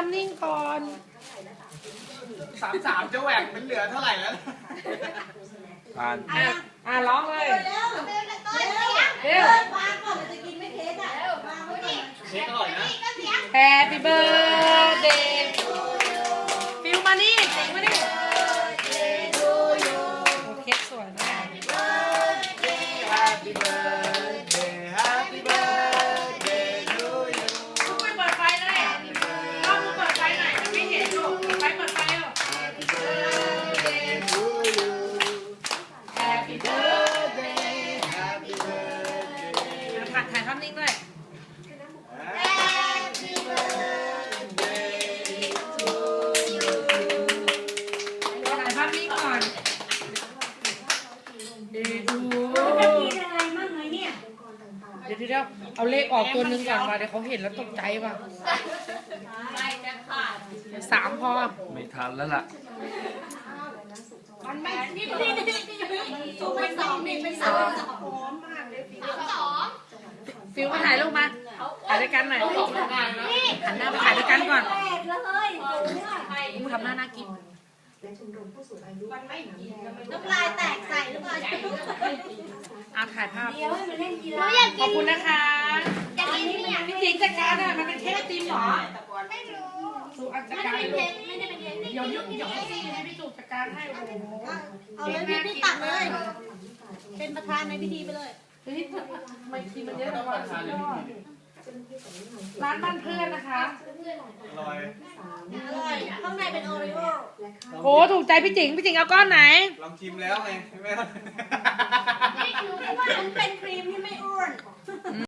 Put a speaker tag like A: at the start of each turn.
A: ำนิ่งก่อน
B: 33จะแหว่งเป็นเหลือเท่าไหร่แล้ว
C: ผ่าน
A: ร้องเลย
D: เร็ว
A: เร็ว
D: วางก่อนมันจะกินไม่เค้กอ่ะวางไว้ดิ
B: เค้กอร่อยนะ
A: Happy birthday ฟิวมานี่สิงมานี่โอ้เค้กสวยมาก
B: Happy birthday Happy birthday to you
A: ลูกไปเปิดไฟเลยลูกเปิดไฟหน่อยจะไม่เห็นลูกเปิดไฟเหรอ
B: Happy birthday to you Happy birthday Happy birthday
A: ถ่ายภาพนิ่งด้วย
B: Happy birthday to you
A: ถ่ายภาพนิ่งก่อนดู
D: จะกินอะไรมั่งไหมเนี่ย
A: เดี๋ยวเอาเลขออกตัวหนึ่งก่อนมาเดี๋ยวเขาเห็นแล้วตกใจป่ะ3พอ
C: ไม่ทันแล้วล่ะ
D: มันไม่นี่สูงเป็นสองนี่เป็นสองหอมมากเลย
A: ฟิวมาถ่ายรูปมาถ่ายด้วยกันหน่อยหันหน้าไปถ่ายด้วยกันก่อน
D: แรกเลยสูงอ่ะ
A: ทำหน้าน่ากิน
D: น้ำลายแตกใส่หรือเปล่า
A: ถ่ายภาพ
D: เดี๋ยวให้มันเล่นกีฬา
A: ขอบคุณนะคะ
D: อยากกินเนี่ย
A: พี่จิงจัดการอ่ะมันเป็นเค้กตีมหรอ
D: ไม่รู้
A: สูจัด
D: ไม่
A: การ
D: ได้เป็น
A: ลู
D: เค้
A: ก
D: กไม่ได้เป็นเค้ก
A: เดี๋ยวให้พี่สูจัดการให้โอ้โห
D: เอาเลยพี่ตักเลย เป็นประธานในพิธีไปเลย
A: เฮ้ยทำไมทีมันเยอะจังวะสุดยอดร้านบ้านเพื่อนนะคะ
B: อร่อย
D: อร่อยข้างในเป็นโอริโอ
A: โอ้ถูกใจพี่จิงเอาก้อนไหน
B: ลองชิมแล้วไงใช่ไหม
D: นี่คือว่ามันเป็นครีมที่ไม่อ้วน